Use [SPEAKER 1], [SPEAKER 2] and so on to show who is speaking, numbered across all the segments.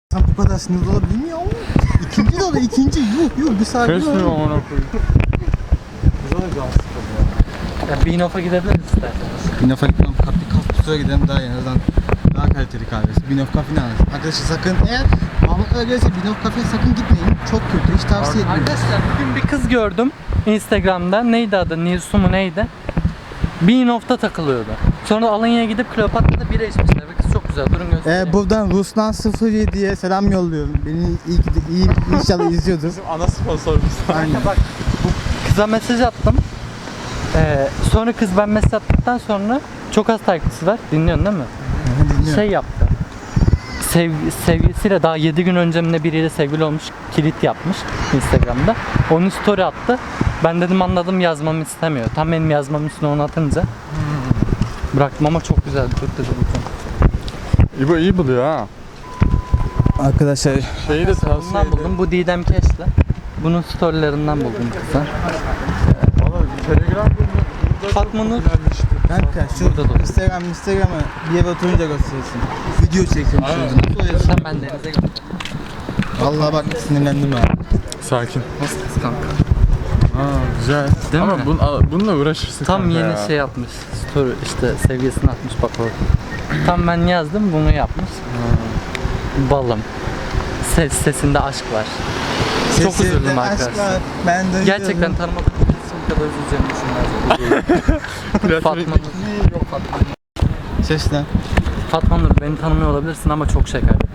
[SPEAKER 1] Sen bu kadar sinirli olabilir mi ya? İkinci de ikinci. Yok bir sakin ol.
[SPEAKER 2] Kesmiyor amına koyayım.
[SPEAKER 1] Güzel bir can sıkıldı ya.
[SPEAKER 3] Ya Binof'a gidebiliriz isterseniz.
[SPEAKER 1] Binof'a gitmem. Kafe gidelim daha iyi. Daha kaliteli kahvesi. Binof Cafe ne alır? Arkadaşlar sakın eğer Mahmutlara gelirse Binof Cafe'ye sakın gitmeyin. Çok kötü. Hiç tavsiye etmiyorum.
[SPEAKER 3] Arkadaşlar bugün bir kız gördüm Instagram'da. Neydi adı? Nilsu mu neydi? Binof'ta takılıyordu. Sonra Alanya'ya gidip Kleopatra'da bira içmişler. Ve kız çok güzel. Durun göstereyim.
[SPEAKER 1] Buradan Ruslan 07'ye selam yolluyorum. Beni iyi inşallah izliyordur.
[SPEAKER 2] Bizim ana sponsorumuz.
[SPEAKER 1] Aynen.
[SPEAKER 3] Bak bu kıza mesaj attım. Sonra kız ben mesaj attıktan sonra çok az takipçisi var. Dinliyorsun değil mi?
[SPEAKER 1] Dinliyorum.
[SPEAKER 3] Şey yaptı. Sevgilisiyle daha 7 gün önce mi ne biriyle sevgili olmuş, kilit yapmış Instagram'da. Onun story attı. Ben dedim anladım yazmamı istemiyor. Tam benim yazmamın üstüne onu atınca bıraktım ama çok güzel bir Türk dedi bu.
[SPEAKER 2] İbo iyi buluyor ha.
[SPEAKER 1] Arkadaşlar
[SPEAKER 2] Şeyi de tavsiye
[SPEAKER 3] Bundan
[SPEAKER 2] ederim.
[SPEAKER 3] buldum. Bu Didem Keş'le. Bunun storylerinden buldum kısa.
[SPEAKER 2] Valla Telegram burada
[SPEAKER 3] Fatma Nur.
[SPEAKER 1] kanka şu
[SPEAKER 3] Burada da.
[SPEAKER 1] Instagram'ı bir yere oturunca gösterirsin. Video çekiyorum şimdi. Nasıl oluyor?
[SPEAKER 3] Sen ben denize gittim.
[SPEAKER 1] Vallahi bak sinirlendim ha.
[SPEAKER 2] Sakin.
[SPEAKER 3] Nasıl kız kanka?
[SPEAKER 2] Güzel.
[SPEAKER 3] Değil
[SPEAKER 2] Ama
[SPEAKER 3] mi?
[SPEAKER 2] bununla uğraşırsın
[SPEAKER 3] Tam
[SPEAKER 2] kanka
[SPEAKER 3] yeni
[SPEAKER 2] ya.
[SPEAKER 3] şey yapmış. Story işte sevgilisini atmış bak orada. Tam ben yazdım bunu yapmış. Balım. Sesinde aşk var. Çok
[SPEAKER 1] Sesinde
[SPEAKER 3] üzüldüm
[SPEAKER 1] aşk
[SPEAKER 3] arkadaşlar.
[SPEAKER 1] var, ben de
[SPEAKER 3] Gerçekten tanımadığım birisi bu kadar üzüleceğimi düşünmezdim. Fatma Nur.
[SPEAKER 2] Yok Fatma.
[SPEAKER 1] Seslen.
[SPEAKER 3] Fatma Nur beni tanımıyor olabilirsin ama çok şey kaybettim.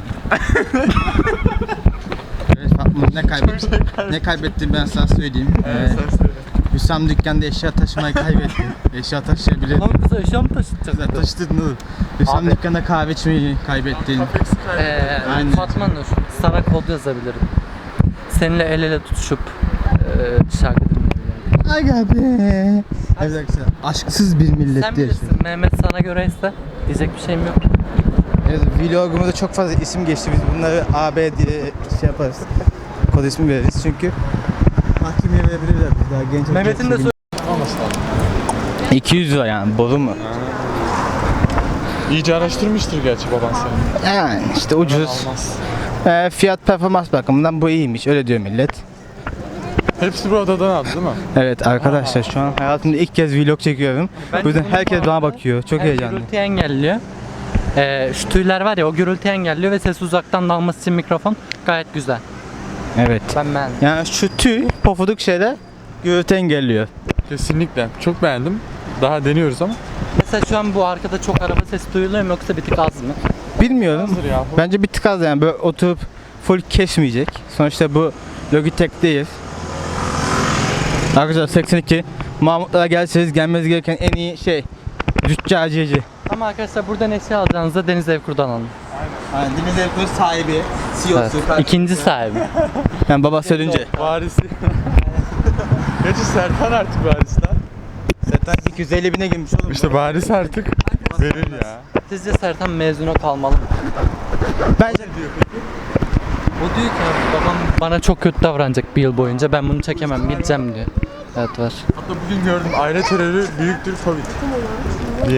[SPEAKER 1] Evet Fatma ne kaybettin? Ne kaybettin ben sana söyleyeyim.
[SPEAKER 2] Sen söyle.
[SPEAKER 1] Hüsam dükkanda eşya taşımayı kaybetti. Eşya taşıyabilir.
[SPEAKER 3] Lan kıza eşya mı taşıtacaksın?
[SPEAKER 1] Taşıdın oğlum. Hüsam
[SPEAKER 3] Abi.
[SPEAKER 1] dükkanda kahve içmeyi kaybettin. Aynen.
[SPEAKER 3] Fatma Nur sana kod yazabilirim. Seninle el ele tutuşup şarkı dinleyebilirim.
[SPEAKER 1] Aga be. Evet arkadaşlar aşksız bir millet
[SPEAKER 3] Sen
[SPEAKER 1] diye.
[SPEAKER 3] bilirsin Mehmet sana göreyse diyecek bir şeyim yok.
[SPEAKER 1] Evet vlogumuzda çok fazla isim geçti. Biz bunları AB diye şey yaparız. Kod ismi veririz çünkü mahkemeye verebilirler biz daha genç.
[SPEAKER 3] Mehmet'in de
[SPEAKER 1] 200 lira yani boru mu?
[SPEAKER 2] İyice araştırmıştır gerçi baban seni.
[SPEAKER 1] Yani işte ucuz.
[SPEAKER 2] Almaz.
[SPEAKER 1] Fiyat performans bakımından bu iyiymiş öyle diyor millet.
[SPEAKER 2] Hepsi bu odadan aldı değil mi?
[SPEAKER 1] Evet arkadaşlar şu an hayatımda ilk kez vlog çekiyorum. Bu yüzden herkes bana bakıyor. Çok heyecanlı.
[SPEAKER 3] Gürültü engelliyor. Şu tüyler var ya o gürültü engelliyor ve ses uzaktan dalması için mikrofon gayet güzel.
[SPEAKER 1] Evet.
[SPEAKER 3] Ben beğendim.
[SPEAKER 1] Yani şu tüy pofuduk şeyler gürültü engelliyor.
[SPEAKER 2] Kesinlikle. Çok beğendim. Daha deniyoruz ama.
[SPEAKER 3] Mesela şu an bu arkada çok araba sesi duyuluyor mu yoksa bir tık az mı?
[SPEAKER 1] Bilmiyorum.
[SPEAKER 2] Hazır ya.
[SPEAKER 1] Bence bir tık az yani böyle oturup full kesmeyecek. Sonuçta bu Logitech değil. Arkadaşlar 82 Mahmutlara gelseniz gelmeniz gereken en iyi şey züccaciyeci.
[SPEAKER 3] Ama arkadaşlar buradan eşya alacağınızda Deniz Evkur'dan alın.
[SPEAKER 1] Aynen Deniz Evkur sahibi, CEO'su.
[SPEAKER 3] Evet. İkinci sahibi.
[SPEAKER 1] Yani babası ölünce.
[SPEAKER 2] Varisi. Gerçi Serkan artık varis lan.
[SPEAKER 1] Zaten 250 bine girmiş oğlum.
[SPEAKER 2] İşte varis artık verir ya.
[SPEAKER 3] Sizce Sertan mezuna kalmalı mı?
[SPEAKER 1] Bence
[SPEAKER 3] O diyor ki abi, babam bana çok kötü davranacak bir yıl boyunca ben bunu çekemem gideceğim diyor. Evet var.
[SPEAKER 2] Hatta bugün gördüm aile terörü büyüktür Covid diye.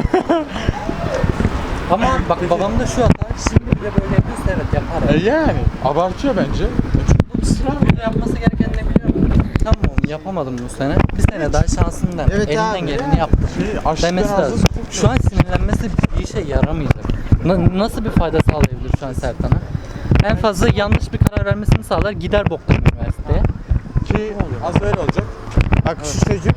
[SPEAKER 3] Ama bak babam da şu hata şimdi bile böyle yapıyorsa evet yapar.
[SPEAKER 2] Yani abartıyor bence.
[SPEAKER 3] Burada yapması gereken ne biliyor musun? Tamam oğlum yapamadım bu sene. Bir sene daha şansın der.
[SPEAKER 1] Evet
[SPEAKER 3] Elinden
[SPEAKER 1] abi.
[SPEAKER 3] geleni yaptı. Demesi lazım. Şu an sinirlenmesi bir işe yaramayacak. Nasıl bir fayda sağlayabilir şu an Sertan'a? En fazla yanlış bir karar vermesini sağlar gider boktan üniversiteye.
[SPEAKER 2] Ki az öyle olacak.
[SPEAKER 1] bak şu çocuk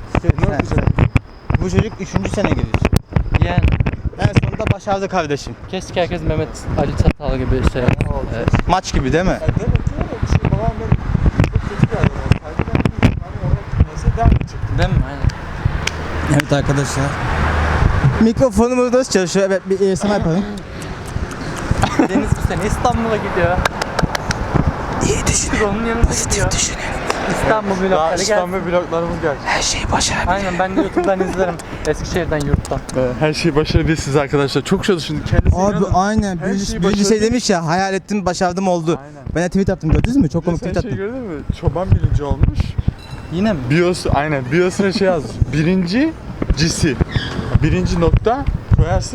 [SPEAKER 1] bu çocuk 3. sene giriyor.
[SPEAKER 3] Yani
[SPEAKER 1] En sonunda başardı kardeşim.
[SPEAKER 3] keşke herkes Mehmet Ali Çatal gibi şey yapsa. Evet.
[SPEAKER 1] Maç gibi değil mi?
[SPEAKER 2] Demek ki öyle bir şey. Babam benim çok kötü bir adam olsaydı ben bilmiyorum. Hani oraya neyse devam edecektim.
[SPEAKER 3] Değil mi? Aynen.
[SPEAKER 1] Evet arkadaşlar. Mikrofonumuz nasıl çalışıyor? Evet bir ASMR yapalım.
[SPEAKER 3] Deniz bu sene İstanbul'a gidiyor.
[SPEAKER 1] İyi düşün.
[SPEAKER 3] Onun yanında gidiyor. İstanbul
[SPEAKER 2] Daha
[SPEAKER 3] vlogları gelsin.
[SPEAKER 2] İstanbul vloglarımız gelecek.
[SPEAKER 1] Her şeyi başar.
[SPEAKER 3] Aynen ben de YouTube'dan izlerim. Eskişehir'den yurttan.
[SPEAKER 2] Her şeyi başarabilirsiniz arkadaşlar. Çok çalışın. Kendisi
[SPEAKER 1] Abi
[SPEAKER 2] inanın.
[SPEAKER 1] aynen.
[SPEAKER 2] Her şeyi
[SPEAKER 1] Birisi şey
[SPEAKER 2] başardı.
[SPEAKER 1] demiş ya hayal ettim başardım oldu.
[SPEAKER 2] Aynen.
[SPEAKER 1] Ben de tweet attım gördünüz mü? Çok komik
[SPEAKER 2] Sen
[SPEAKER 1] tweet
[SPEAKER 2] şey
[SPEAKER 1] attım.
[SPEAKER 2] gördün mü? Çoban birinci olmuş.
[SPEAKER 3] Yine mi?
[SPEAKER 2] Bios, aynen. Bios'una şey yazmış. Birinci cisi. Birinci nokta koyarsın ya.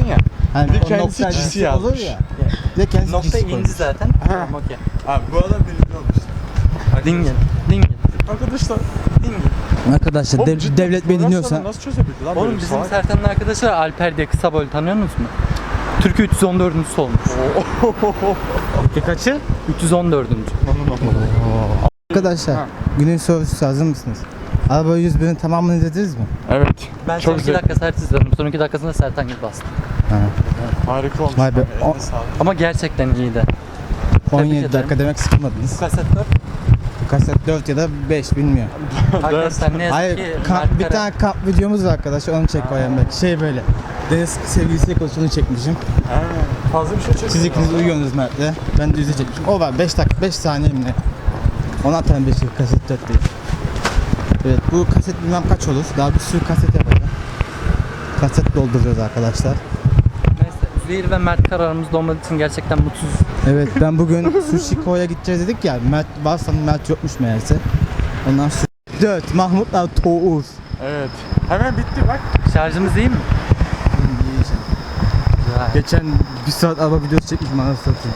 [SPEAKER 1] Hani
[SPEAKER 2] Bir de
[SPEAKER 1] o
[SPEAKER 2] kendisi
[SPEAKER 1] nokta
[SPEAKER 2] çizgi
[SPEAKER 1] DC olur
[SPEAKER 2] yazmış.
[SPEAKER 1] ya. Bir de kendisi
[SPEAKER 3] Nokta
[SPEAKER 1] çizgi
[SPEAKER 3] indi
[SPEAKER 1] koymuş.
[SPEAKER 3] zaten. Tamam okey.
[SPEAKER 2] Abi bu adam birinci olmuş.
[SPEAKER 3] Dingil. Dingil.
[SPEAKER 2] Arkadaşlar.
[SPEAKER 3] Dingil.
[SPEAKER 1] Arkadaşlar
[SPEAKER 2] Oğlum cidden
[SPEAKER 1] devlet beni
[SPEAKER 2] fotoğraf
[SPEAKER 1] dinliyorsa
[SPEAKER 2] sorunu nasıl çözebildi lan
[SPEAKER 3] Oğlum
[SPEAKER 2] böyle bir
[SPEAKER 3] bizim
[SPEAKER 2] salak?
[SPEAKER 3] Sertan'ın arkadaşı var, Alper diye kısa boylu, tanıyorsunuz mu? Türkiye 314. olmuş.
[SPEAKER 1] kaçı?
[SPEAKER 3] 314.
[SPEAKER 1] Arkadaşlar günün sorusu hazır mısınız? Araba 101'in tamamını izlediniz mi?
[SPEAKER 2] Evet.
[SPEAKER 3] Ben
[SPEAKER 2] Çok
[SPEAKER 3] son 2
[SPEAKER 2] güzel.
[SPEAKER 3] dakika sert izledim. Son 2 dakikasında Sertan gibi bastım.
[SPEAKER 2] Harika olmuş.
[SPEAKER 1] Vay be,
[SPEAKER 2] abi,
[SPEAKER 1] o-
[SPEAKER 2] eline sağlık.
[SPEAKER 3] Ama gerçekten iyiydi.
[SPEAKER 1] 17
[SPEAKER 3] ederim.
[SPEAKER 1] dakika demek sıkılmadınız.
[SPEAKER 3] Kaset 4.
[SPEAKER 1] Kaset 4 ya da 5 bilmiyorum.
[SPEAKER 3] Arkadaşlar ne yazık
[SPEAKER 1] Hayır
[SPEAKER 3] ki
[SPEAKER 1] bir tane kamp videomuz var arkadaşlar onu çek bayan belki. Şey böyle. Deniz sevgilisiyle konuştuğunu çekmişim.
[SPEAKER 2] Ha, fazla bir şey çekmiyor.
[SPEAKER 1] Siz ikiniz uyuyorsunuz Mert'le. Ben de yüzü çekmişim. O var 5 dakika 5 saniye mi ne? Ona atarım 5 dakika kaset 4 değil. Evet bu kaset bilmem kaç olur. Daha bir sürü kaset yapacağım. Kaset dolduruyoruz arkadaşlar.
[SPEAKER 3] Neyse Zehir ve Mert kararımızda olmadığı için gerçekten mutsuz.
[SPEAKER 1] Evet ben bugün Sushiko'ya gideceğiz dedik ya. Mert varsa Mert yokmuş meğerse. Ondan sonra 4 Mahmutlar Toğuz.
[SPEAKER 2] Evet. Hemen bitti bak.
[SPEAKER 3] Şarjımız iyi mi? Güzel.
[SPEAKER 1] Geçen bir saat araba videosu çekmişim anasını satayım.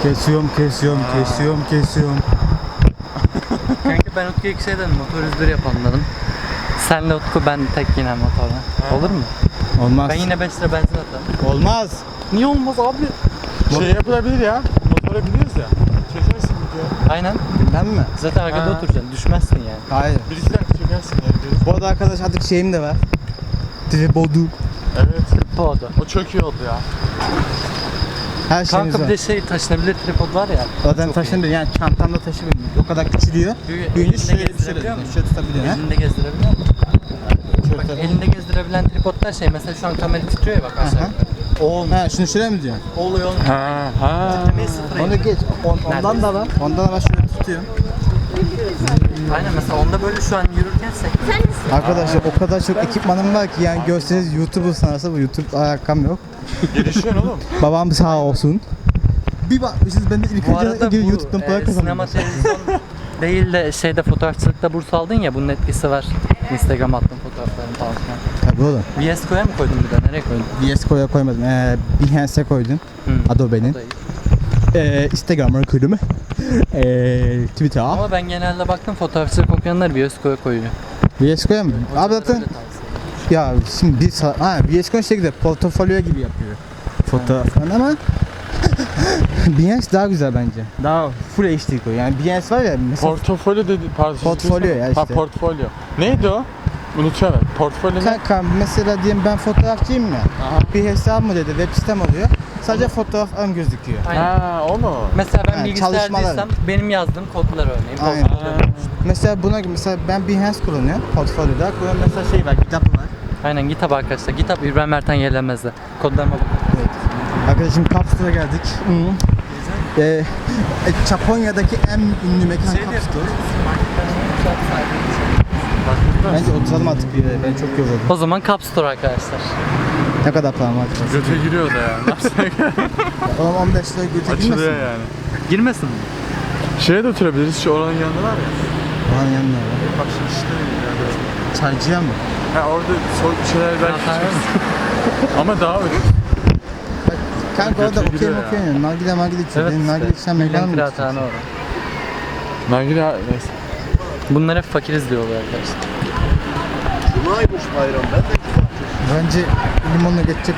[SPEAKER 1] Kesiyorum.
[SPEAKER 3] Kanka ben Utku'ya şey dedim, motor 101 yapalım dedim. Senle Utku, ben tek yine motorla. Olur mu?
[SPEAKER 1] Olmaz.
[SPEAKER 3] Ben yine 5 lira benzin atarım.
[SPEAKER 1] Olmaz.
[SPEAKER 3] Niye olmaz abi?
[SPEAKER 2] Şey yapılabilir ya. Motora biniyoruz ya. Çekersin video.
[SPEAKER 3] Aynen.
[SPEAKER 1] Ben mi?
[SPEAKER 3] Zaten arkada
[SPEAKER 2] Ha.
[SPEAKER 3] oturacaksın. Düşmezsin yani.
[SPEAKER 1] Hayır.
[SPEAKER 2] Bir iki dakika çekersin ya. videoyu.
[SPEAKER 1] Bu arada arkadaş artık şeyim de var. Tripodu.
[SPEAKER 2] Evet.
[SPEAKER 3] Tripodu.
[SPEAKER 2] O çok iyi oldu ya.
[SPEAKER 1] Her şeyimiz
[SPEAKER 3] Kanka bir
[SPEAKER 1] var.
[SPEAKER 3] de şey taşınabilir tripod var ya.
[SPEAKER 1] Zaten
[SPEAKER 3] çok
[SPEAKER 1] taşınabilir yani çantamda taşıyabilirim. O kadar küçülüyor. Büyüyünce
[SPEAKER 3] Elinde
[SPEAKER 1] şöyle bir şey
[SPEAKER 3] gezdirebiliyor
[SPEAKER 1] oluyor.
[SPEAKER 3] musun?
[SPEAKER 1] Şöyle tutabiliyor ha.
[SPEAKER 3] Elinde gezdirebiliyor musun? Bak elinde gezdirebilen tripodlar şey, mesela şu an kamera titriyor ya bak aşağı.
[SPEAKER 1] Aha.
[SPEAKER 3] O olmuyor.
[SPEAKER 1] Ha şunu şuraya mı diyorsun?
[SPEAKER 3] O oluyor olmuyor.
[SPEAKER 2] Ha.
[SPEAKER 3] Titremeyi sıfıra
[SPEAKER 1] Onu
[SPEAKER 3] in.
[SPEAKER 1] geç. Ondan da var. Ondan da var şöyle tutuyorum.
[SPEAKER 3] Aynen mesela onda böyle şu an yürürken sekme.
[SPEAKER 1] Arkadaşlar o kadar çok ekipmanım var ki yani görseniz YouTuber sanarsa bu YouTube alakam yok.
[SPEAKER 2] Gelişiyorsun oğlum.
[SPEAKER 1] Babam sağ olsun. Bir bakmışız ben de ilk
[SPEAKER 3] Bu arada
[SPEAKER 1] önce
[SPEAKER 3] bu
[SPEAKER 1] YouTube'dan para
[SPEAKER 3] sinema
[SPEAKER 1] kazandım.
[SPEAKER 3] televizyon değil de şeyde fotoğrafçılıkta burs aldın ya, bunun etkisi var. Instagram attım fotoğraflarını falan filan.
[SPEAKER 1] Tabii oğlum.
[SPEAKER 3] VSCO'ya mı koydun bir de? Nereye koydun?
[SPEAKER 1] VSCO'ya koymadım. Behance'e koydum.
[SPEAKER 3] Hı.
[SPEAKER 1] Adobe'nin.
[SPEAKER 3] O da iyi.
[SPEAKER 1] Instagram'a koydum. Twitter.
[SPEAKER 3] Ama ben genelde baktım fotoğrafçılık okuyanlar VSCO'ya koyuyor.
[SPEAKER 1] VSCO'ya mı? Abi zaten
[SPEAKER 3] Öyle tavsiye.
[SPEAKER 1] ya şimdi VSCO şey güzel. Portfolyo gibi yapıyor. Fotoğraflarını ama Behance daha güzel bence. Daha full HD koy. Yani Behance var ya mesela
[SPEAKER 2] Portfolyo dedi. Pardon.
[SPEAKER 1] Portfolyo ya
[SPEAKER 2] Ha
[SPEAKER 1] işte.
[SPEAKER 2] portfolyo. Neydi o? Unutuyorum ben. Portfolyo ne?
[SPEAKER 1] kanka mesela diyelim ben fotoğrafçıyım ya. Bir hesabım dedi, web sitem oluyor. Sadece fotoğraflarım gözüküyor.
[SPEAKER 3] Aynen.
[SPEAKER 2] Ha o mu?
[SPEAKER 3] Mesela ben
[SPEAKER 1] Yani
[SPEAKER 3] bilgisayarcıysam
[SPEAKER 1] çalışmalar.
[SPEAKER 3] benim yazdığım kodlar örneğin.
[SPEAKER 1] Aynen.
[SPEAKER 3] Portfolyo.
[SPEAKER 1] Mesela buna mesela ben Behance kullanıyorum portfolyoda. Burada mesela şey var, kitap var.
[SPEAKER 3] Aynen GitHub arkadaşlar. GitHub İbrahim Ertan Yelemez'de. Kodlarıma bakın.
[SPEAKER 1] Evet. Arkadaşım Capstore'a geldik. Japonya'daki en ünlü mekan Capstore. Bence oturalım artık bir yere. Ben çok yoruldum.
[SPEAKER 3] O zaman Cup Store arkadaşlar.
[SPEAKER 1] Ne kadar param var?
[SPEAKER 2] Göte giriyor da ya. Ne yapsak?
[SPEAKER 1] Oğlum 15 lira götür
[SPEAKER 2] Açılıyor
[SPEAKER 1] girmesin.
[SPEAKER 2] yani.
[SPEAKER 3] Girmesin mi?
[SPEAKER 2] Şeye de oturabiliriz. Şu oranın yanında var ya.
[SPEAKER 1] Oranın yanına var.
[SPEAKER 2] Bak şimdi işte.
[SPEAKER 1] Çaycıya mı?
[SPEAKER 2] Ha orada soğuk bir şeyler belki içeriz. Ama daha ucuz.
[SPEAKER 1] Kanka orada
[SPEAKER 2] Götür
[SPEAKER 1] okey
[SPEAKER 2] gidiyor
[SPEAKER 1] okey ya. Nargile margile içiyor.
[SPEAKER 3] Evet
[SPEAKER 1] Benim nargile içen
[SPEAKER 3] işte.
[SPEAKER 1] mekanım mı?
[SPEAKER 3] Kıraathane orada.
[SPEAKER 2] Nargile neyse.
[SPEAKER 3] Bunlar hep fakiriz diyorlar arkadaşlar.
[SPEAKER 1] Bence limonla geçecektik.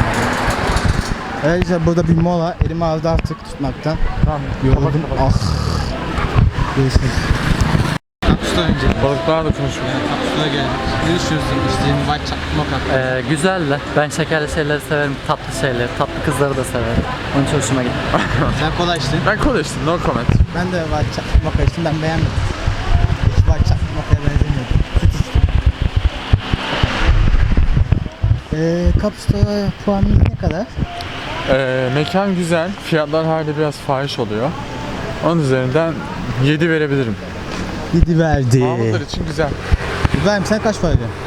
[SPEAKER 1] Ayrıca burada bir mola. Elimi ağızda artık tutmaktan.
[SPEAKER 2] Tamam.
[SPEAKER 1] Yoruldum. Ah. Görüşürüz. Kapsuda önce.
[SPEAKER 2] Balıklarla da konuşuyoruz.
[SPEAKER 1] Kapsuda geldik. Görüşürüz. İşte white mocha.
[SPEAKER 3] Güzel de. Ben şekerli şeyleri severim. Tatlı şeyleri. Tatlı kızları da severim. Onun için hoşuma gitti.
[SPEAKER 1] Sen kola içtin.
[SPEAKER 2] Ben kola içtim. No comment.
[SPEAKER 1] Ben de white mocha içtim. Ben beğenmedim. Hiç white mocha'ya benzemiyordu. Kapsuda puanınız ne kadar?
[SPEAKER 2] Mekan güzel. Fiyatlar hala biraz fahiş oluyor. Onun üzerinden 7 verebilirim.
[SPEAKER 1] 7 verdi.
[SPEAKER 2] Mahmutlar için güzel.
[SPEAKER 1] İbrahim sen kaç para ödüyorsun?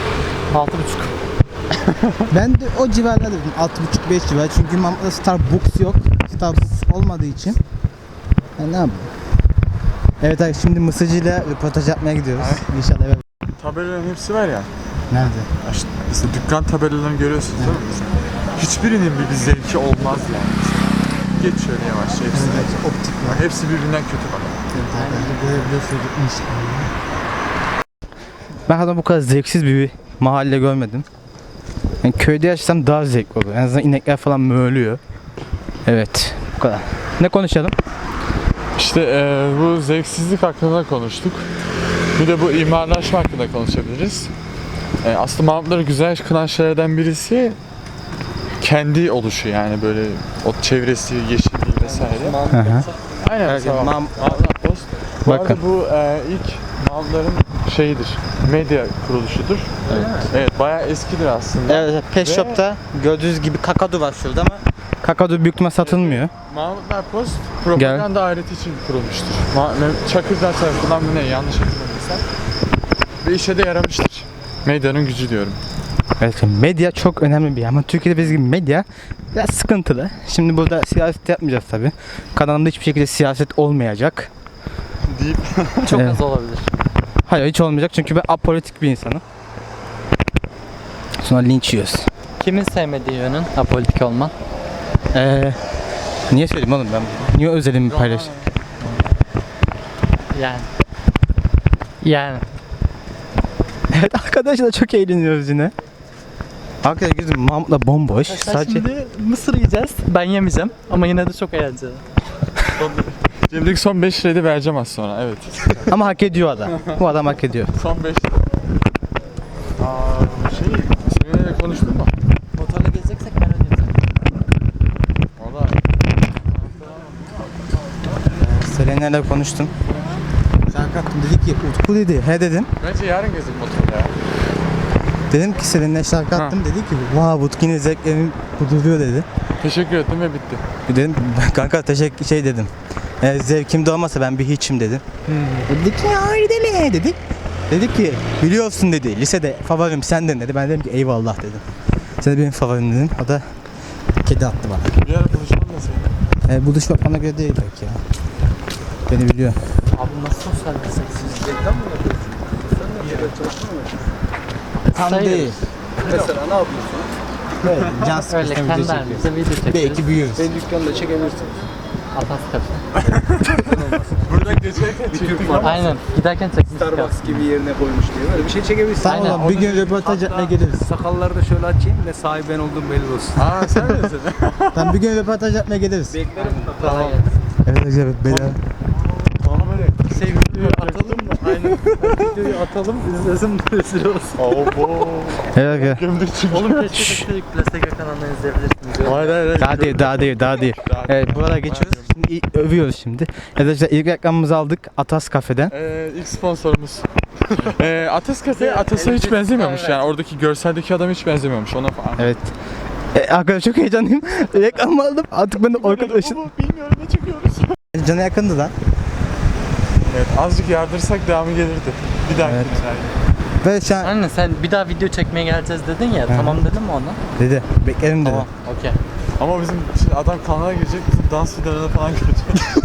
[SPEAKER 3] 6,5.
[SPEAKER 1] Ben de o civarlarda dedim 6,5-5 civar çünkü Mahmut'ta Starbucks yok. Starbucks olmadığı için ne yapayım? Evet abi şimdi Mısırcı'yla röportaj yapmaya gidiyoruz. İnşallah eve.
[SPEAKER 2] Tabelaların hepsi var ya.
[SPEAKER 1] Nerede?
[SPEAKER 2] İşte dükkan tabelalarını görüyorsunuz değil mi? hiçbirinin bir zevki olmaz yani. Geç şöyle yavaşça hepsine.
[SPEAKER 1] Optik var.
[SPEAKER 2] Hepsi birbirinden kötü bak.
[SPEAKER 1] Ben hayatımda bu kadar zevksiz bir mahalle görmedim. Yani köyde yaşasam daha zevkli olur. En azından inekler falan mölüyor. Evet, bu kadar. Ne konuşalım?
[SPEAKER 2] İşte bu zevksizlik hakkında konuştuk. Bir de bu imarlaşma hakkında konuşabiliriz. Aslında Mahmutları güzel kılan şeylerden birisi kendi oluşu yani böyle o çevresi, yeşilliği vesaire.
[SPEAKER 1] Hı hı.
[SPEAKER 2] Aynen
[SPEAKER 1] Evet,
[SPEAKER 2] mesela Mahmut Post. Bu
[SPEAKER 1] Bakın.
[SPEAKER 2] arada bu ilk Mahmutların şeyidir, medya kuruluşudur. Evet, bayağı eskidir aslında.
[SPEAKER 1] Evet, Pet
[SPEAKER 2] Ve-
[SPEAKER 1] Shop'ta gördüğünüz gibi kakadu var şurada ama kakadu büyük ihtimal satılmıyor.
[SPEAKER 2] Mahmutlar Post propaganda aleti için kurulmuştur. Çakırlar tarafından mı ne yanlış hatırlamıyorsam. Ve işe de yaramıştır. Medyanın gücü diyorum.
[SPEAKER 1] Evet, medya çok önemli bir yer ama Türkiye'de bizim gibi medya biraz sıkıntılı. Şimdi burada siyaset yapmayacağız tabi. Kanalımda hiçbir şekilde siyaset olmayacak.
[SPEAKER 2] Deyip
[SPEAKER 3] Çok
[SPEAKER 1] Evet.
[SPEAKER 3] az olabilir.
[SPEAKER 1] Hayır, hiç olmayacak çünkü ben apolitik bir insanım. Sonra linç yiyoruz.
[SPEAKER 3] Kimin sevmediği yönün apolitik olman?
[SPEAKER 1] Niye söyleyeyim oğlum ben? Niye özelimi paylaşayım?
[SPEAKER 3] Yani.
[SPEAKER 1] Evet arkadaşlar çok eğleniyoruz yine. Arkadaşlar gözüm Mahmut'la bomboş. Sadece
[SPEAKER 3] Şimdi mısır yiyeceğiz. Ben yemeyeceğim ama yine de çok eğlenceli.
[SPEAKER 2] Cem'deki son 5 lirayı da vereceğim az sonra. Evet.
[SPEAKER 1] ama hak ediyor adam. Bu adam hak ediyor.
[SPEAKER 2] Son 5 lira. Seninle konuştun mu?
[SPEAKER 3] Motorla gezeceksek ben ödeyeceğim.
[SPEAKER 2] Valla.
[SPEAKER 1] Selena'yla konuştum. Şarkı attım, dedi ki Utku dedi. He dedim.
[SPEAKER 2] Bence yarın gezdik motorla ya.
[SPEAKER 1] Dedim ki Selena'ya şarkı attım, dedi ki wow Utku yine zevklerim kuduruyor dedi.
[SPEAKER 2] Teşekkür ettim ve bitti.
[SPEAKER 1] Dedim kanka teşekkür dedim. Zevkim de olmasa ben bir hiçim dedim. Dedi ki ya öyle deme dedik. Dedi ki biliyorsun dedi lisede favorim sendin dedi. Ben dedim ki eyvallah dedim. Sen de benim favorim dedim. O da kedi attı bana.
[SPEAKER 2] Bir ara konuşalım da seninle.
[SPEAKER 1] Buluşmak bana göre değil belki ya. Beni biliyor.
[SPEAKER 3] Abi nasıl sosyal meslek? Reklam mı yapıyorsun? Sen de bir yere çalışmıyor musun?
[SPEAKER 1] Tam
[SPEAKER 3] Sayılır.
[SPEAKER 1] değil.
[SPEAKER 4] Mesela ne yapıyorsun?
[SPEAKER 1] Evet, can
[SPEAKER 3] Öyle
[SPEAKER 1] sıkıştığında
[SPEAKER 3] kendi
[SPEAKER 1] video çekiyoruz.
[SPEAKER 3] halimizde video çekiyoruz.
[SPEAKER 1] Belki büyüyoruz.
[SPEAKER 4] Beni dükkanda çekebilirsin.
[SPEAKER 3] Atas kafe.
[SPEAKER 2] Buradan geçerken çektik ama.
[SPEAKER 3] Aynen. Giderken çekmiştik.
[SPEAKER 4] Starbucks gibi yerine koymuş diye böyle bir şey çekebilirsin.
[SPEAKER 1] Tamam
[SPEAKER 3] Aynen.
[SPEAKER 1] oğlum bir gün röportaj yapmaya geliriz.
[SPEAKER 4] Sakalları da şöyle açayım da sahibi ben olduğum belli olsun.
[SPEAKER 2] Aa sen misin?
[SPEAKER 1] Tamam bir gün röportaj yapmaya geliriz.
[SPEAKER 4] Beklerim.
[SPEAKER 3] Kolay gelsin.
[SPEAKER 1] Evet evet bedava.
[SPEAKER 2] Bana böyle
[SPEAKER 3] Videoyu atalım mı? Aynen. Videoyu atalım. İzlesin rezil olsun.
[SPEAKER 2] Abo.
[SPEAKER 1] Evet evet.
[SPEAKER 2] Gömdük çünkü.
[SPEAKER 3] Oğlum keşke Plasteka kanalından izleyebilirsiniz.
[SPEAKER 2] Hayır.
[SPEAKER 1] Daha değil. Evet buralara geçiyoruz. Şimdi övüyoruz şimdi. Arkadaşlar ilk reklamımızı aldık Atas Kafe'den.
[SPEAKER 2] İlk sponsorumuz. Atas Cafe, Atas'a hiç benzemiyormuş yani oradaki görseldeki adam hiç benzemiyormuş ona falan.
[SPEAKER 1] Evet. Arkadaşlar çok heyecanlıyım. Reklamı aldım. Artık ben de arkadaşım.
[SPEAKER 2] Bilmiyorum ne çekiyoruz.
[SPEAKER 1] Cana yakındı lan.
[SPEAKER 2] Evet azıcık yardırsak devamı gelirdi. Bir dahaki
[SPEAKER 1] Evet.
[SPEAKER 2] yani.
[SPEAKER 1] Ve şu an
[SPEAKER 3] Anne sen bir daha video çekmeye geleceğiz dedin ya. Tamam dedin mi ona?
[SPEAKER 1] dedi. Beklerim dedi.
[SPEAKER 3] Tamam. Okey.
[SPEAKER 2] Ama bizim şimdi adam kanala girecek bizim dans videolarını falan görecek.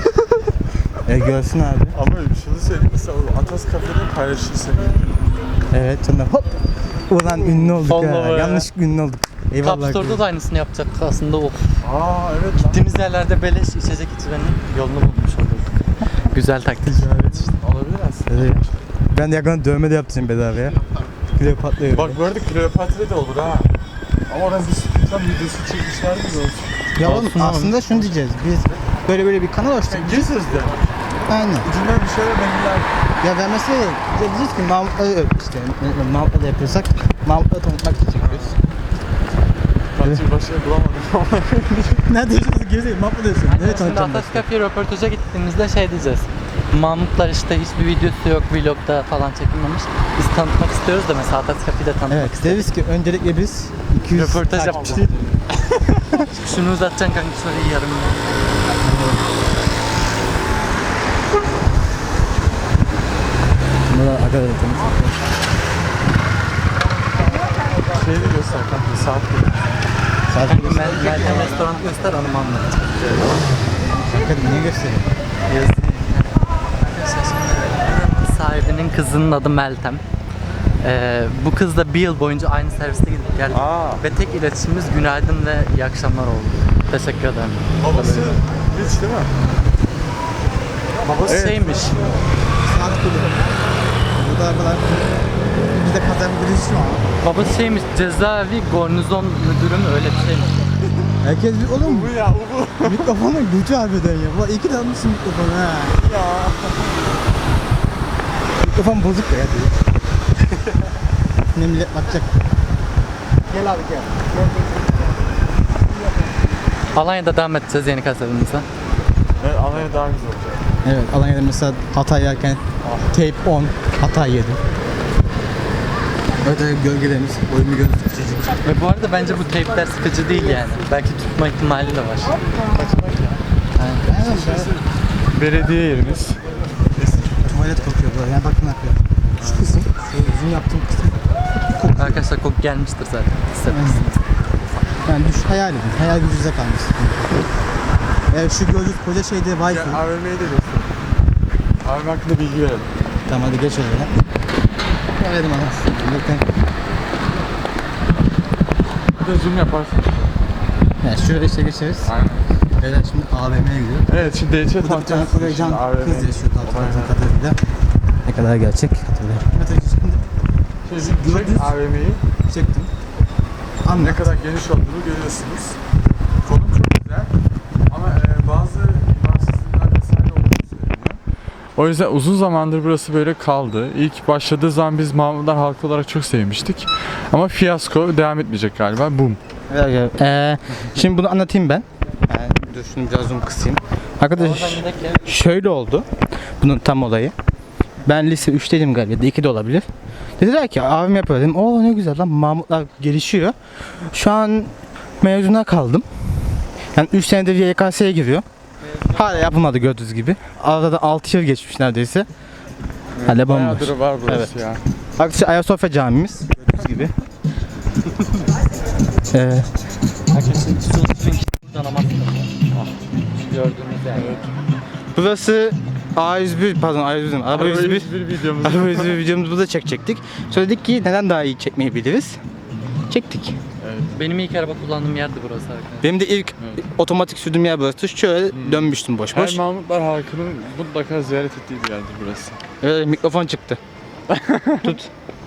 [SPEAKER 1] Görsün abi.
[SPEAKER 2] Ama şunu söyleyeyim mesela o Atas Cafe'de paylaşırsa.
[SPEAKER 1] Evet sonra hop. Ulan ünlü olduk
[SPEAKER 3] Allah
[SPEAKER 1] ha.
[SPEAKER 3] be.
[SPEAKER 1] Yanlış ünlü olduk. Eyvallah.
[SPEAKER 3] Cup Store'da da aynısını yapacak aslında o.
[SPEAKER 2] Aa evet lan.
[SPEAKER 3] Gittiğimiz yerlerde beleş içecek içmenin yolunu bulmuş olurduk. Güzel taktik.
[SPEAKER 2] Ticaret işte olabilir aslında.
[SPEAKER 1] Evet. Ben de yakında dövme de yaptım bedavaya. Kleopatra.
[SPEAKER 2] Bak bu arada Kleopatra da olur ha. Ama oradan bir tam videosu çekmişler mi olsun?
[SPEAKER 1] Ya oğlum
[SPEAKER 3] Olsun abi.
[SPEAKER 1] aslında şunu diyeceğiz. Biz böyle bir kanal açtık.
[SPEAKER 2] Gir sözde.
[SPEAKER 1] Aynen.
[SPEAKER 2] Ucundan bir şeyler verirler.
[SPEAKER 1] Ya ben mesela diyeceğiz ki Mahmut'la işte Mahmut'la da yapıyorsak Mahmut'la tanıtmak için çekiyoruz.
[SPEAKER 2] Bence başarı bulamadım ama.
[SPEAKER 1] Nerede yaşıyorsun? Gezelim Mahmut'la diyorsun.
[SPEAKER 3] Aynen,
[SPEAKER 1] Evet
[SPEAKER 3] şimdi
[SPEAKER 1] tanıtacağım.
[SPEAKER 3] Atas Cafe'ye röportaja gittiğimizde şey diyeceğiz. Mahmutlar işte hiçbir videosu yok, vlogda falan çekilmemiş. Biz tanıtmak istiyoruz da mesela Atas Cafe'yi de tanıtmak
[SPEAKER 1] Evet
[SPEAKER 3] istiyoruz.
[SPEAKER 1] deriz ki öncelikle biz 200
[SPEAKER 3] Röportaj
[SPEAKER 1] takipçi-
[SPEAKER 3] yapacağız. Şunu uzatacaksın kanka şöyle yarım.
[SPEAKER 1] Bunlar arkadaşlar tanıtacağız.
[SPEAKER 2] Şeyi de göster kanka saat gibi.
[SPEAKER 1] Sadece
[SPEAKER 3] Meltem restoran göster hanım anlat.
[SPEAKER 1] niye göstereyim?
[SPEAKER 3] Sahibinin kızının adı Meltem. Bu kızla bir yıl boyunca aynı serviste gidip geldik. Ve tek iletişimimiz günaydın ve iyi akşamlar oldu. Teşekkür ederim.
[SPEAKER 2] Babası hiç değil mi?
[SPEAKER 3] Babası
[SPEAKER 2] Evet.
[SPEAKER 3] şeymiş.
[SPEAKER 1] Saat kulübü. Burada kadar bir de kazan birisi var.
[SPEAKER 3] Babası şeymiş. Cezaevi garnizon müdürü mü öyle bir şeymiş.
[SPEAKER 1] Herkes bir oğlum
[SPEAKER 2] Bu ya bu.
[SPEAKER 1] mikrofonun gücü harbiden ya. Ulan iyi ki de almışsın mikrofonu ha.
[SPEAKER 2] Ya.
[SPEAKER 1] Mikrofon bozuk ya. Ne millet bakacak. Gel abi gel.
[SPEAKER 3] Alanya'da devam edeceğiz yeni kasetimize.
[SPEAKER 2] Evet, Alanya daha güzel olacak.
[SPEAKER 1] Evet Alanya'da mesela Hatay yerken tape 10 Hatay yedi. Öte gölgelerimiz oyun gözü küçücük.
[SPEAKER 3] Ve bu arada bence bu teypler sıkıcı değil yani. Belki tutma ihtimali de var.
[SPEAKER 2] Belediye yerimiz.
[SPEAKER 1] Tuvalet kokuyor böyle. Yani bakın yapıyor. Şu kısım, şu zoom yaptığım kısım.
[SPEAKER 3] Arkadaşlar koku gelmiştir zaten. Hissetmişsiniz.
[SPEAKER 1] Yani düş hayal edin. Hayal gücünüze kalmış. Şu gördüğünüz koca şeyde Wi-Fi.
[SPEAKER 2] Ya AVM'yi de göster. AVM hakkında bilgi verelim.
[SPEAKER 1] Tamam hadi geç oraya. Verelim anasını. Bakın.
[SPEAKER 2] Bir de zoom yaparsın.
[SPEAKER 1] Yani şuraya işte geçeriz.
[SPEAKER 2] Aynen.
[SPEAKER 1] Beyler şimdi AVM'ye gidiyor.
[SPEAKER 2] Evet şimdi DHT
[SPEAKER 1] Burada bir tane
[SPEAKER 2] tanıtacağız.
[SPEAKER 1] Korecan
[SPEAKER 2] AVM.
[SPEAKER 1] kız yaşıyor hatırladığım kadarıyla. Ne kadar gerçek hatırlıyorum.
[SPEAKER 2] Çek AVM'yi.
[SPEAKER 1] Çektim.
[SPEAKER 2] Ne
[SPEAKER 1] Anla.
[SPEAKER 2] kadar geniş olduğunu görüyorsunuz. Konum çok güzel ama bazı imarsızlıklar vesaire olduğunu söyleniyor. O yüzden uzun zamandır burası böyle kaldı. İlk başladığı zaman biz Mahmutlar halkı olarak çok sevmiştik. Ama fiyasko devam etmeyecek galiba. Boom.
[SPEAKER 1] Şimdi bunu anlatayım ben. Dur şunu biraz zoom kısayım. Arkadaş şöyle oldu. Bunun tam olayı. Ben lise 3'teydim galiba ya da 2'de olabilir. Dediler ki abim yapıyor dedim. Oo ne güzel lan Mahmutlar gelişiyor. Şu an mezuna kaldım. Yani 3 senedir YKS'ye giriyor. Hala yapılmadı gördüğünüz gibi. Arada da 6 yıl geçmiş neredeyse. Hala bomboş.
[SPEAKER 2] Bayağıdır var burası ya.
[SPEAKER 1] Arkadaşlar Ayasofya camimiz gördüğünüz gibi.
[SPEAKER 3] Buradan ama gördüğünüz yani.
[SPEAKER 1] Burası A101 pardon A101 Araba 101
[SPEAKER 2] bir videomuz.
[SPEAKER 1] Araba 101 videomuzu burada çekecektik. Söyledik ki neden daha iyi çekmeyebiliriz? Çektik.
[SPEAKER 3] Benim ilk araba kullandığım yerdi burası arkadaşlar.
[SPEAKER 1] Benim de ilk otomatik sürdüğüm yer burası. Şöyle dönmüştüm boş boş.
[SPEAKER 2] Her Mahmutlar halkının mutlaka ziyaret ettiği bir yerdir burası.
[SPEAKER 1] Mikrofon çıktı. Tut.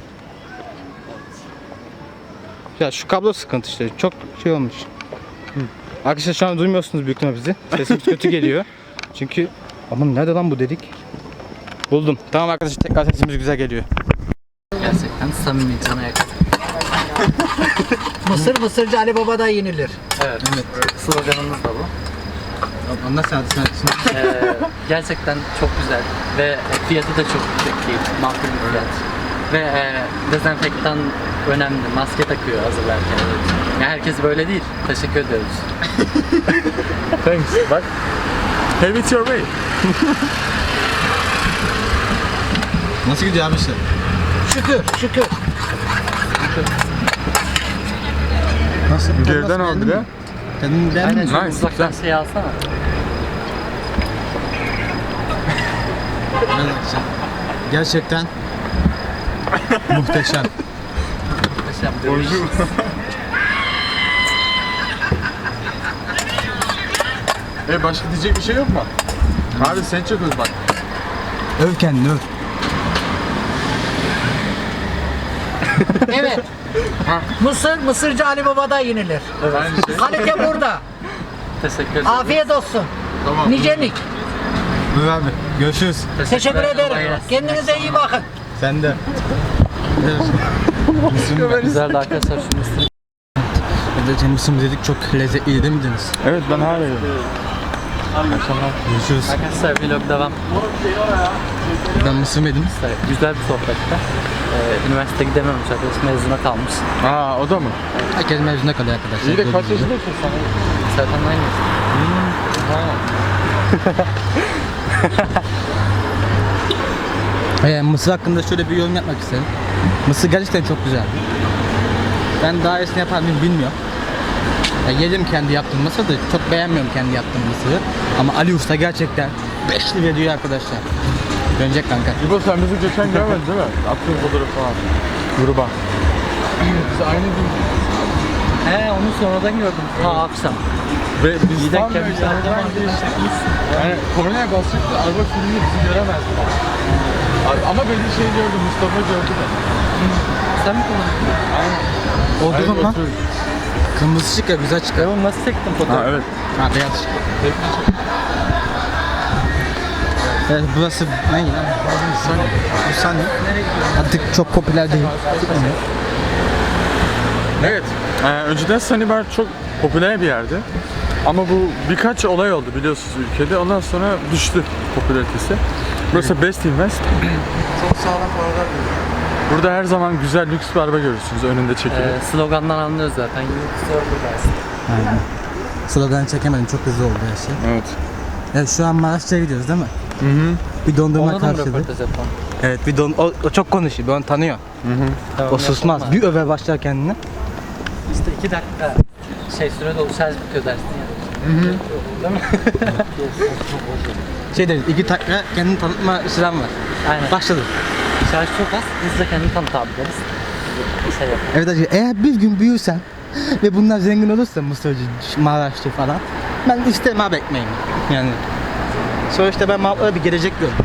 [SPEAKER 1] Ya şu kablo sıkıntı işte. Çok şey olmuş. Arkadaşlar şu an duymuyorsunuz büyük ihtimalle bizi. Sesimiz kötü geliyor. Çünkü aman nerede lan bu dedik? Buldum. Tamam arkadaşlar tekrar sesimiz güzel geliyor.
[SPEAKER 3] Gerçekten samimi cana yakın.
[SPEAKER 5] Mısırcı Ali Baba'da yenilir.
[SPEAKER 3] Evet. Sloganımız da bu.
[SPEAKER 1] Ondan sonra
[SPEAKER 3] Gerçekten çok güzel ve fiyatı da çok yüksek değil. Makul bir fiyat. Ve dezenfektan önemli. Maske takıyor hazırlarken. Yani herkes böyle değil. Teşekkür ediyoruz.
[SPEAKER 2] Thanks. Bak. Have it your way.
[SPEAKER 1] nasıl gidiyor abi işte?
[SPEAKER 5] Şükür.
[SPEAKER 1] Nasıl?
[SPEAKER 2] Geriden al bir de.
[SPEAKER 1] Kendini beğendin
[SPEAKER 3] Aynen
[SPEAKER 1] mi?
[SPEAKER 3] şu
[SPEAKER 2] Nice,
[SPEAKER 3] uzaktan
[SPEAKER 2] güzel.
[SPEAKER 3] şey alsana.
[SPEAKER 1] Arkadaşlar, gerçekten muhteşem.
[SPEAKER 3] Muhteşem.
[SPEAKER 2] Bonjour. Başka diyecek bir şey yok mu? Abi sen çok öz bak.
[SPEAKER 1] Öv kendini öv.
[SPEAKER 5] Evet. Mısırcı Ali Baba'da yenilir.
[SPEAKER 2] Aynı şey.
[SPEAKER 5] Kalite burada.
[SPEAKER 3] Teşekkür ederim.
[SPEAKER 5] Afiyet olsun.
[SPEAKER 2] Tamam.
[SPEAKER 5] Nicelik.
[SPEAKER 1] Öv abi. Görüşürüz.
[SPEAKER 5] Teşekkür
[SPEAKER 3] Kolay
[SPEAKER 5] ederim.
[SPEAKER 3] gelsin.
[SPEAKER 5] Kendinize iyi bakın.
[SPEAKER 1] Sen de.
[SPEAKER 3] Güzeldi arkadaşlar şu mısır.
[SPEAKER 1] Mısım dedik çok lezzetliydi değil mi Deniz?
[SPEAKER 2] Evet ben hala yiyorum.
[SPEAKER 1] Görüşürüz.
[SPEAKER 3] Arkadaşlar vlog devam.
[SPEAKER 1] Ben mısır yedim.
[SPEAKER 3] İşte güzel bir sohbette. Üniversite gidememiş arkadaş mezuna kalmış.
[SPEAKER 2] Aa o da mı?
[SPEAKER 1] Herkes mezuna kalıyor arkadaşlar.
[SPEAKER 2] İyi de kaç
[SPEAKER 1] Gördüğünüz gibi.
[SPEAKER 2] yaşındasın sen?
[SPEAKER 3] Serkan aynı.
[SPEAKER 1] Mısır hakkında şöyle bir yorum yapmak istedim. Mısır gerçekten çok güzel. Ben daha iyisini yapar mıyım bilmiyorum. Yedim kendi yaptığım mısırı da çok beğenmiyorum kendi yaptığım mısırı. Ama Ali Usta gerçekten 5'li veriyor arkadaşlar. Dönecek kanka.
[SPEAKER 2] İbo sen bizi geçen görmedin değil mi? Attığın fotoğrafı falan. gruba. Biz aynı gün
[SPEAKER 3] He onu sonradan gördüm. Ha akşam.
[SPEAKER 2] ve biz
[SPEAKER 3] İyi denk
[SPEAKER 2] tam
[SPEAKER 3] gelmiş.
[SPEAKER 2] böyle yani kornaya basacaktık, araba sürünce bizi göremezdi. Ama böyle şey gördüm, Mustafa gördü de.
[SPEAKER 3] Sen mi kullandın?
[SPEAKER 1] Oldu mu lan? Kırmızı ışık ya güzel çıkar.
[SPEAKER 3] Oğlum nasıl çektin
[SPEAKER 2] Ha
[SPEAKER 3] fotoğrafı?
[SPEAKER 2] evet.
[SPEAKER 1] Ha beyaz ışık. Evet burası ne lan? Bu sahne. Artık çok popüler değil.
[SPEAKER 2] Evet. Önceden Sunny Bar çok popüler bir yerdi. Ama bu birkaç olay oldu biliyorsunuz ülkede. Ondan sonra düştü popülaritesi. Burası Best Invest.
[SPEAKER 1] Çok sağlam paralar
[SPEAKER 2] Burada her zaman güzel lüks bir araba görürsünüz önünde çekili.
[SPEAKER 3] Slogandan anlıyoruz zaten.
[SPEAKER 1] Aynen. Sloganı çekemedim çok hızlı oldu her şey.
[SPEAKER 2] Evet.
[SPEAKER 1] Evet şu an Maraş'ta gidiyoruz değil mi?
[SPEAKER 2] Hı hı.
[SPEAKER 1] Bir dondurma
[SPEAKER 3] Ona da mı
[SPEAKER 1] karşıladık.
[SPEAKER 3] röportaj yapalım?
[SPEAKER 1] Evet bir o çok konuşuyor, bir onu tanıyor.
[SPEAKER 3] Tamam,
[SPEAKER 1] O susmaz.
[SPEAKER 3] yapalım.
[SPEAKER 1] Bir öve başlar kendini.
[SPEAKER 3] İşte 2 dakika şey süre dolu şarj bitiyor dersin ya. Değil mi?
[SPEAKER 1] Şey deriz, 2 dakika kendini tanıtma süren var.
[SPEAKER 3] Aynen.
[SPEAKER 1] Başladı.
[SPEAKER 3] Şarj çok az. Hızlıca kendini tanıt abi deriz. Şey yapalım.
[SPEAKER 1] Evet hacı, eğer bir gün büyürsen ve bunlar zengin olursa Mısırcı, Maraşlı falan, ben isterim abi ekmeğimi. Yani sonuçta ben Maraşlı'da bir gelecek gördüm.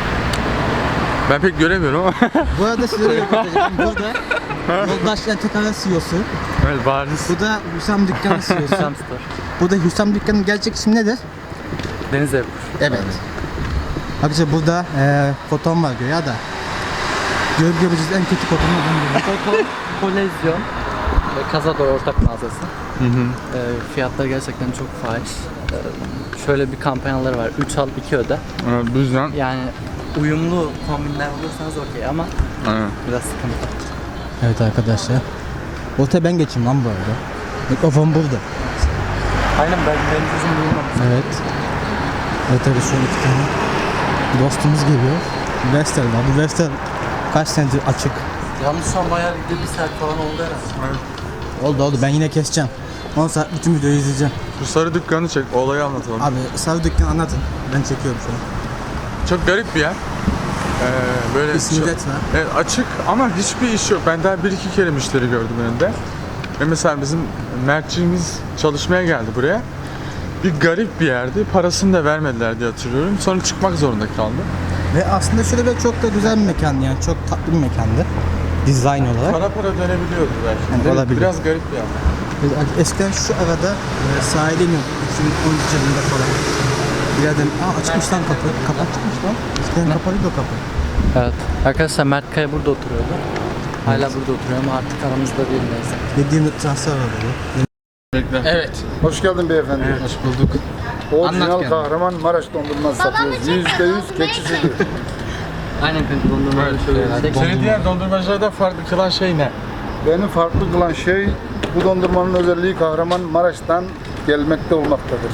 [SPEAKER 2] Ben pek göremiyorum ama.
[SPEAKER 1] Bu arada size de yapacağım. Burada Yoldaşlar Tekara CEO'su.
[SPEAKER 2] Evet bariz.
[SPEAKER 1] Bu da Hüsam Dükkanı CEO'su.
[SPEAKER 3] Sam Store.
[SPEAKER 1] Bu da Hüsam Dükkanı'nın gerçek ismi nedir?
[SPEAKER 3] Deniz evi.
[SPEAKER 1] Evet. Arkadaşlar burada foton var ya da görebileceğiniz en kötü fotonlardan biri.
[SPEAKER 3] Foto, kolezyon ve Cazador ortak mağazası. Fiyatları gerçekten çok fahiş. Şöyle bir kampanyaları var. 3 al 2 öde.
[SPEAKER 2] Evet, bu yüzden.
[SPEAKER 3] Yani uyumlu kombinler bulursanız okey ama
[SPEAKER 2] Aynen.
[SPEAKER 3] biraz sıkıntı.
[SPEAKER 1] Evet arkadaşlar. Ortaya ben geçeyim lan bu arada. Mikrofon burada.
[SPEAKER 3] Aynen benim sözüm duyulmamış.
[SPEAKER 1] Evet. Evet tabii şu an 2 tane dostumuz geliyor. Vestel var. Bu Vestel kaç senedir açık.
[SPEAKER 3] Yalnız şu an bayağı bir saat falan oldu herhalde.
[SPEAKER 1] Oldu ben yine keseceğim. 10 saat bütün videoyu izleyeceğim.
[SPEAKER 2] Şu sarı dükkanı çek, olayı anlatalım.
[SPEAKER 1] Abi sarı dükkan anlatın. Ben çekiyorum şu an.
[SPEAKER 2] Çok garip bir yer. Böyle
[SPEAKER 1] İsmi de var.
[SPEAKER 2] evet, açık ama hiçbir iş yok. Ben daha 1-2 kere müşteri gördüm önünde. Ve mesela bizim Mertçiğimiz çalışmaya geldi buraya. Bir garip bir yerdi. Parasını da vermediler diye hatırlıyorum. Sonra çıkmak zorunda kaldı.
[SPEAKER 1] Ve aslında şöyle bir çok da güzel bir mekan yani çok tatlı bir mekandı. Dizayn olarak.
[SPEAKER 2] Para dönebiliyordu belki.
[SPEAKER 1] Yani
[SPEAKER 2] Değil mi?
[SPEAKER 1] olabilir.
[SPEAKER 2] Biraz garip bir yer.
[SPEAKER 1] Eskiden şu arada sahile iniyorduk 2013 yılında falan. Bir yerden açmış lan kapı. Kapı açmış lan. Eskiden kapalıydı o kapı.
[SPEAKER 3] Evet. Arkadaşlar Mert Kaya burada oturuyordu. Hala burada oturuyor ama artık aramızda değil neyse.
[SPEAKER 1] 7 yıllık transfer var dedi. Evet.
[SPEAKER 6] Hoş geldin beyefendi.
[SPEAKER 1] Hoş bulduk.
[SPEAKER 6] Orijinal
[SPEAKER 1] Anlat kendini.
[SPEAKER 6] Kahramanmaraş dondurması satıyoruz. %100 keçi sütü.
[SPEAKER 3] Aynen kanka dondurmaları şöyle.
[SPEAKER 2] Seni diğer dondurmacılardan farklı kılan şey ne?
[SPEAKER 6] Beni farklı kılan şey bu dondurmanın özelliği Kahramanmaraş'tan gelmekte olmaktadır.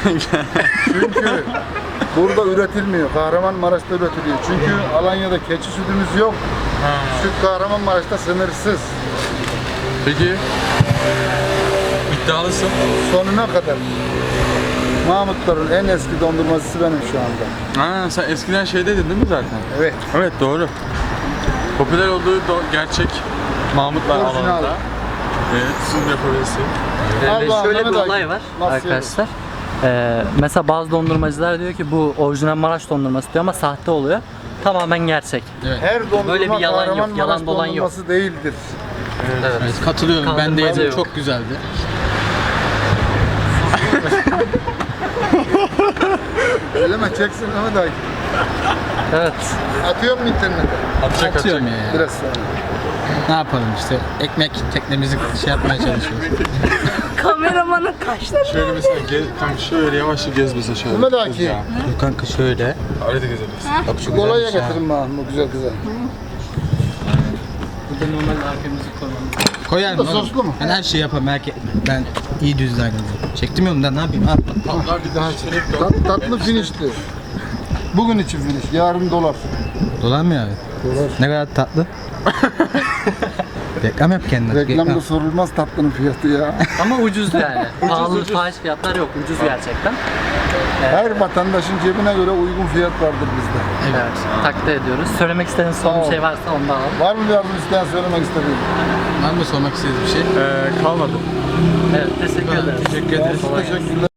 [SPEAKER 6] Çünkü burada üretilmiyor. Kahramanmaraş'ta üretiliyor. Çünkü Alanya'da keçi sütümüz yok. Süt Kahramanmaraş'ta sınırsız.
[SPEAKER 2] Peki iddialısın.
[SPEAKER 6] Sonuna kadar. Mahmutların en eski dondurmacısı benim şu anda.
[SPEAKER 2] Ha, sen eskiden şeydeydin değil mi zaten?
[SPEAKER 6] Evet.
[SPEAKER 2] Evet doğru. Popüler olduğu gerçek Mahmutlar
[SPEAKER 6] Orijinal.
[SPEAKER 2] alanında. Evet, sunum yapabilirsin.
[SPEAKER 6] Allah
[SPEAKER 3] Şöyle bir
[SPEAKER 6] Mehmet
[SPEAKER 3] olay
[SPEAKER 6] Akif,
[SPEAKER 3] var
[SPEAKER 6] nasıl
[SPEAKER 3] arkadaşlar. Mesela bazı dondurmacılar diyor ki bu orijinal Maraş dondurması diyor ama sahte oluyor. Tamamen gerçek.
[SPEAKER 6] Her dondurma
[SPEAKER 3] Böyle bir yalan yok,
[SPEAKER 6] Kahramanmaraş
[SPEAKER 3] yalan dolan yok.
[SPEAKER 6] dondurması değildir.
[SPEAKER 3] Evet.
[SPEAKER 1] Katılıyorum. Ben de
[SPEAKER 3] Kaldırmacı
[SPEAKER 1] yedim.
[SPEAKER 3] yok.
[SPEAKER 1] Çok güzeldi.
[SPEAKER 6] Eleme çeksin Mehmet Akif.
[SPEAKER 3] Evet.
[SPEAKER 6] Atıyor mu internete?
[SPEAKER 2] Atacak
[SPEAKER 1] Atıyorum
[SPEAKER 2] atacak.
[SPEAKER 1] ya.
[SPEAKER 6] Biraz sonra.
[SPEAKER 1] Ne yapalım işte. Ekmek teknemizi şey yapmaya çalışıyoruz.
[SPEAKER 7] Kameramanın kaçtı.
[SPEAKER 2] Şöyle mesela kanka şöyle yavaşça gez mesela şöyle.
[SPEAKER 6] Mehmet Akif.
[SPEAKER 2] Ya.
[SPEAKER 1] Dur kanka şöyle.
[SPEAKER 2] Öyle de gezebilirsin.
[SPEAKER 1] Bak şu
[SPEAKER 6] Kolaya
[SPEAKER 1] güzelmiş ha.
[SPEAKER 6] getirin bana bu güzel kıza.
[SPEAKER 3] Burada normal arkamızı koyalım.
[SPEAKER 1] Koyar mı?
[SPEAKER 6] Soslu mu?
[SPEAKER 1] Ben her şeyi yaparım. Merak etme. Ben iyi düzlerim. Çektim yolundan ne yapayım? Al.
[SPEAKER 2] Bir daha çelik
[SPEAKER 6] Tatlı finişti. Bugün için finish, yarın dolar.
[SPEAKER 1] Dolar mı abi?
[SPEAKER 6] Dolar.
[SPEAKER 1] Ne kadar tatlı. Reklam yap kendine.
[SPEAKER 6] Reklamda sorulmaz tatlının fiyatı ya.
[SPEAKER 3] Ama ucuz yani. Pahalı fahiş fiyatlar yok. Ucuz gerçekten.
[SPEAKER 6] Her vatandaşın cebine göre uygun fiyat vardır bizde.
[SPEAKER 3] Evet. Takdir ediyoruz. Söylemek istediğiniz son bir şey varsa onu da alalım.
[SPEAKER 6] Var mı yardım isteyen söylemek istediğin?
[SPEAKER 1] Var mı sormak istediğiniz bir şey?
[SPEAKER 2] Kalmadı.
[SPEAKER 3] Evet. Teşekkür ederiz.
[SPEAKER 1] Teşekkür ederiz.
[SPEAKER 6] Teşekkürler.